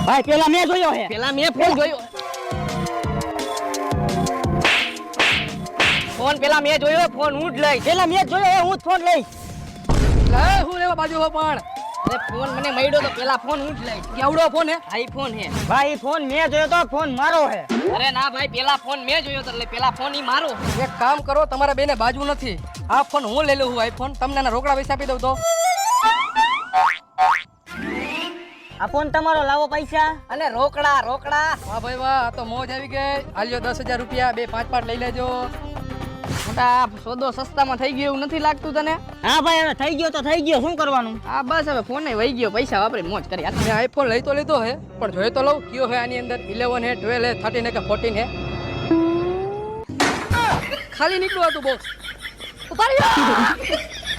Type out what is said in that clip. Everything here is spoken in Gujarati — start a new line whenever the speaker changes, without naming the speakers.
ભાઈ પેલા મેં જોયો હે.
પેલા મેં ફોન જોયો. ફોન પેલા મેં જોયો, ફોન હું જ લઈશ.
પેલા મેં જોયો હે, હું જ ફોન લઈશ.
લે હું લેવા બાજુ હો પણ
અરે ફોન મને મળ્યો તો પેલા ફોન હું જ લઈશ.
કેવડો ફોન હે
આઈફોન હે.
ભાઈ ફોન મેં જોયો તો ફોન મારો હે.
અરે ના ભાઈ, પેલા ફોન મેં જોયો તો એટલે પેલા ફોન ઈ મારો.
એક કામ કરો, તમારા બેને બાજુ નથી. આ ફોન હું લઈ લઉં છું આઈફોન. તમને એના રોકડા પૈસા આપી દઉં તો.
આ ફોન તમારો, લાવો પૈસા.
અને રોકડા રોકડા.
વાહ ભાઈ વાહ, આ તો મોજ આવી ગઈ. આલ્યો 10,000 રૂપિયા, બે 5 લઈ લેજો.
મોટા સોદો સસ્તામાં થઈ ગયો એવું નથી લાગતું તને?
હા ભાઈ હવે થઈ ગયો તો થઈ ગયો, શું કરવાનું?
હા બસ હવે ફોન વહી ગયો, પૈસા વાપરી મોજ કરી.
મેં આઈફોન લઈ તો લીધો હે, પણ જોઈ તો લઉં કયો હે આની અંદર. 11 હે, 12 હે, 13 હે કે 14 હે. ખાલી નીકળ્યું હતું બોક્સ. ઉતારી લો.